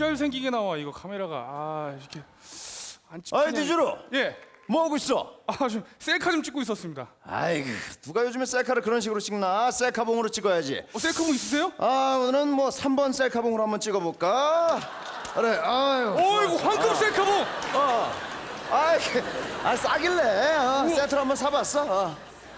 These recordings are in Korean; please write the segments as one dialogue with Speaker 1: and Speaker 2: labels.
Speaker 1: 잘생기게 나와 이거 카메라가. 아 이렇게 안 찍히냐.
Speaker 2: 아이 디주로.
Speaker 1: 예.
Speaker 2: 뭐 하고 있어?
Speaker 1: 좀 셀카 좀 찍고 있었습니다.
Speaker 2: 아이고 누가 요즘에 셀카를 그런 식으로 찍나? 셀카봉으로 찍어야지.
Speaker 1: 셀카봉 있으세요?
Speaker 2: 아 오늘은 뭐 3번 셀카봉으로 한번 찍어볼까? 그래. 아유.
Speaker 1: 어이구 황금 셀카봉.
Speaker 2: 싸길래 세트를 한번 사봤어.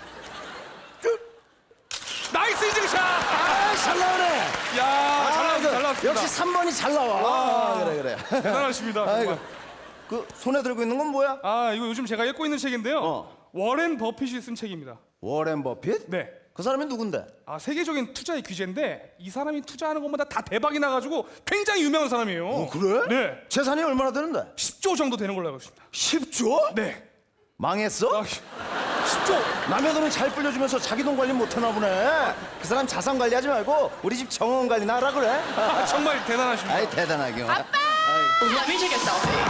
Speaker 1: 나이스 인증샷.
Speaker 2: 잘 나오네.
Speaker 1: 야, 잘 나왔어, 잘 나왔습니다.
Speaker 2: 역시 3번이 잘 나와. 그래.
Speaker 1: 대단하십니다.
Speaker 2: 아이고.
Speaker 1: 정말.
Speaker 2: 그 손에 들고 있는 건 뭐야?
Speaker 1: 이거 요즘 제가 읽고 있는 책인데요. 워렌 버핏이 쓴 책입니다.
Speaker 2: 워렌 버핏?
Speaker 1: 네.
Speaker 2: 그 사람이 누군데?
Speaker 1: 세계적인 투자의 귀재인데 이 사람이 투자하는 것마다 다 대박이 나가지고 굉장히 유명한 사람이에요.
Speaker 2: 그래?
Speaker 1: 네.
Speaker 2: 재산이 얼마나 되는데?
Speaker 1: 10조 정도 되는 걸로 알고 있습니다.
Speaker 2: 10조?
Speaker 1: 네.
Speaker 2: 망했어?
Speaker 1: 10조.
Speaker 2: 남의 돈을 잘 불려주면서 자기 돈 관리 못하나 보네. 그 사람 자산 관리하지 말고 우리 집 정원 관리나 하라 그래.
Speaker 1: 정말 대단하십니다.
Speaker 2: 아이 대단하게.
Speaker 3: 아빠! Let me take a selfie.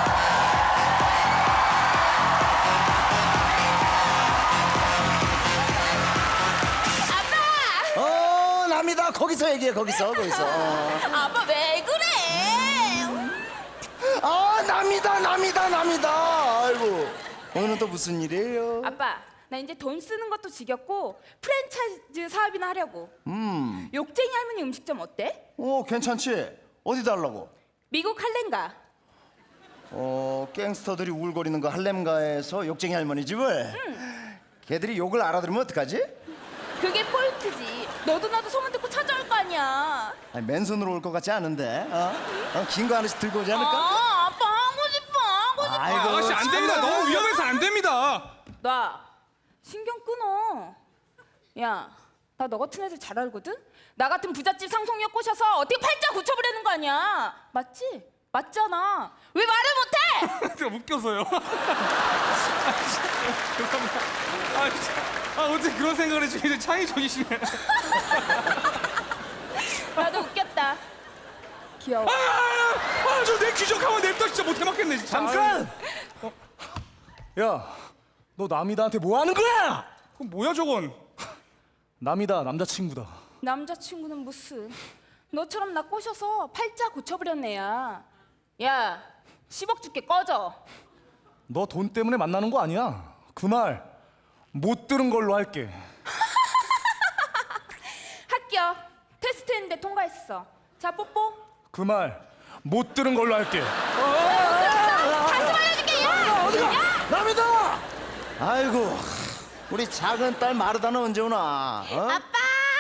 Speaker 2: 남이다. 거기서 얘기해. 거기서.
Speaker 3: 아빠 왜 그래?
Speaker 2: 남이다. 아이고. 오늘은 또 무슨 일이에요?
Speaker 3: 아빠, 나 이제 돈 쓰는 것도 지겹고 프랜차이즈 사업이나 하려고. 욕쟁이 할머니 음식점 어때?
Speaker 2: 괜찮지. 어디다 하려고?
Speaker 3: 미국 할렘가.
Speaker 2: 갱스터들이 우울거리는 거 할렘가에서 욕쟁이 할머니 집을. 걔들이 욕을 알아들으면 어떡하지?
Speaker 3: 그게 포인트지. 너도 나도 소문 듣고 찾아올 거 아니야.
Speaker 2: 아니, 맨손으로 올 것 같지 않은데. 긴 거 하나씩 들고 오지 않을까?
Speaker 3: 아빠 하고 싶어.
Speaker 2: 아이고,
Speaker 1: 아가씨 안 됩니다.
Speaker 2: 참나.
Speaker 1: 너무 위험해서 안 됩니다.
Speaker 3: 나 신경 끊어. 야, 나 너 같은 애들 잘 알거든? 나 같은 부잣집 상속녀 꼬셔서 어떻게 팔자 고쳐버리는 거 아니야. 맞지? 맞잖아. 왜 말을 못해?
Speaker 1: 제가 웃겨서요. 죄송합니다. 어떻게 그런 생각을 해주고 이제 창의적이시네.
Speaker 3: 나도 웃겼다. 귀여워.
Speaker 1: 저 내 기적하면 냅다 진짜 못해 맞겠네 진짜.
Speaker 4: 잠깐! 야, 너 남이다한테 뭐 하는 거야?
Speaker 1: 그럼 뭐야 저건?
Speaker 4: 남이다 남자친구다.
Speaker 3: 남자친구는 무슨. 너처럼 나 꼬셔서 팔자 고쳐버렸네 야. 야, 10억 줄게 꺼져.
Speaker 4: 너 돈 때문에 만나는 거 아니야. 그 말 못 들은 걸로 할게.
Speaker 3: 합격. 테스트 했는데 통과했어. 자, 뽀뽀.
Speaker 4: 그 말 못 들은 걸로 할게.
Speaker 3: 다시 말해줄게 야.
Speaker 2: 남이다. 아이고, 우리 작은 딸 마르다는 언제 오나?
Speaker 3: 아빠.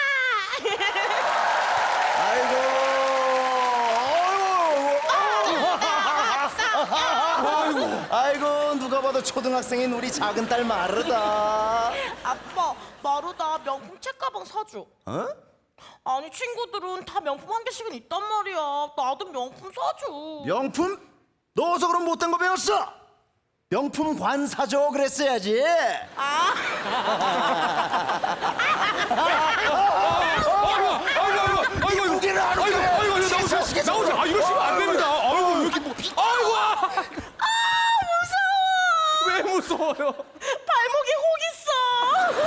Speaker 2: 아이고, 누가 봐도 초등학생인 우리 작은 딸 마르다.
Speaker 5: 아빠, 마루다 명품 책가방 사줘. 아니 친구들은 다 명품 한 개씩은 있단 말이야. 나도 명품 사줘.
Speaker 2: 명품? 너 어디서 그런 못된 거 배웠어? 명품 관 사줘 그랬어야지.
Speaker 1: 아이고
Speaker 2: 무게를 안 해.
Speaker 1: 나오세요. 이러시면 안 됩니다. 아이고 이렇게 뭐. 무서워. 왜 무서워요?
Speaker 5: 발목에 혹 있어.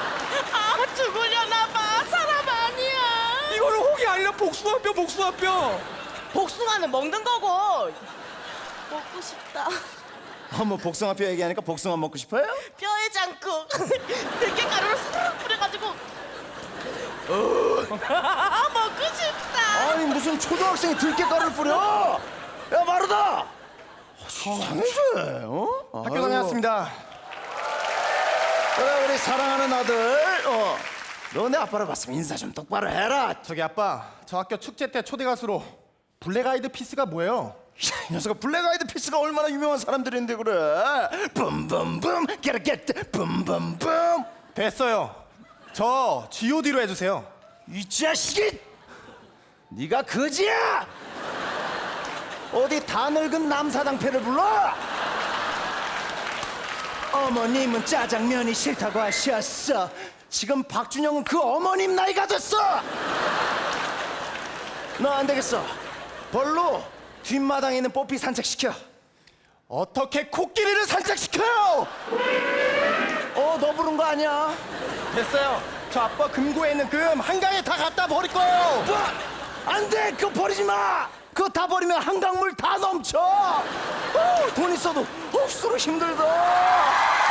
Speaker 5: 죽으려나 봐. 사람 아니야.
Speaker 1: 이거는 혹이 아니라 복숭아뼈.
Speaker 5: 복숭아는 먹는 거고. 먹고 싶다.
Speaker 2: 뭐 복숭아뼈 얘기하니까 복숭아 먹고 싶어요?
Speaker 5: 뼈에 장국. 들깨가루를 싹 뿌려가지고. 먹고 싶다.
Speaker 2: 아니 무슨 초등학생이 들깨가루를 뿌려? 야 마르다. 이상해져. 학교 다녀왔습니다. 그래 우리 사랑하는 아들. 너 내 아빠를 봤으면 인사 좀 똑바로 해라.
Speaker 6: 저기 아빠, 저 학교 축제 때 초대 가수로 블랙 아이드 피스가 뭐예요?
Speaker 2: 이 녀석아 블랙 아이드 피스가 얼마나 유명한 사람들인데 그래. 붐붐붐 get it get 붐붐붐.
Speaker 6: 됐어요. 저 G.O.D로 해주세요.
Speaker 2: 이 자식이! 네가 거지야! 어디 다 늙은 남사당패를 불러? 어머님은 짜장면이 싫다고 하셨어. 지금 박준영은 그 어머님 나이가 됐어. 너 안 되겠어. 벌로 뒷마당에 있는 뽀삐 산책시켜.
Speaker 6: 어떻게 코끼리를 산책시켜요?
Speaker 2: 너 부른 거 아니야?
Speaker 6: 됐어요. 저 아빠 금고에 있는 금 한강에 다 갖다 버릴 거예요.
Speaker 2: 뭐? 안 돼! 그거 버리지 마! 그거 다 버리면 한강물 다 넘쳐. 돈 있어도 억수로 힘들다.